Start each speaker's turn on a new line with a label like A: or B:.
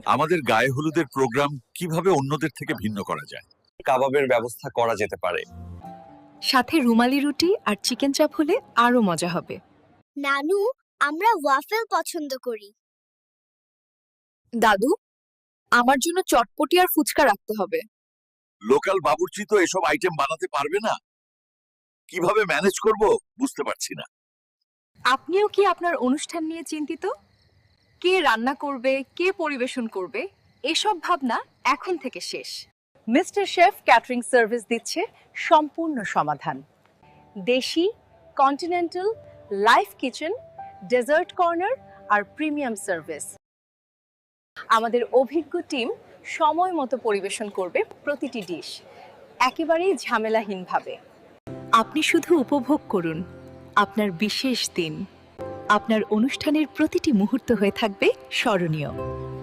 A: আমাদের গায়ে হলুদের প্রোগ্রাম কিভাবে অন্যদের থেকে ভিন্ন করা যায়?
B: কাবাবের ব্যবস্থা করা যেতে পারে।
C: সাথে রুমালি রুটি আর চিকেন চাপ হলে আরো মজা হবে।
D: নানু, আমরা ওয়াফেল পছন্দ করি।
C: দাদু, আমার জন্য চটপটি আর ফুচকা রাখতে হবে।
A: লোকাল বাবুর্চি তো এসব আইটেম বানাতে পারবে না, কিভাবে ম্যানেজ করব বুঝতে পারছি না।
C: আপনিও কি আপনার অনুষ্ঠান নিয়ে চিন্তিত? কে রান্না করবে, কে পরিবেশন করবে, এসব ভাবনা এখন থেকে শেষ। মিস্টার শেফ ক্যাটারিং সার্ভিস দিচ্ছে সম্পূর্ণ সমাধান। দেশি, continental, live kitchen, dessert corner আর প্রিমিয়াম সার্ভিস। আমাদের অভিজ্ঞ টিম সময় মতো পরিবেশন করবে প্রতিটি ডিশ, একেবারেই ঝামেলাহীনভাবে। আপনি শুধু উপভোগ করুন আপনার বিশেষ দিন। আপনার অনুষ্ঠানের প্রতিটি মুহূর্ত হয়ে থাকবে স্মরণীয়।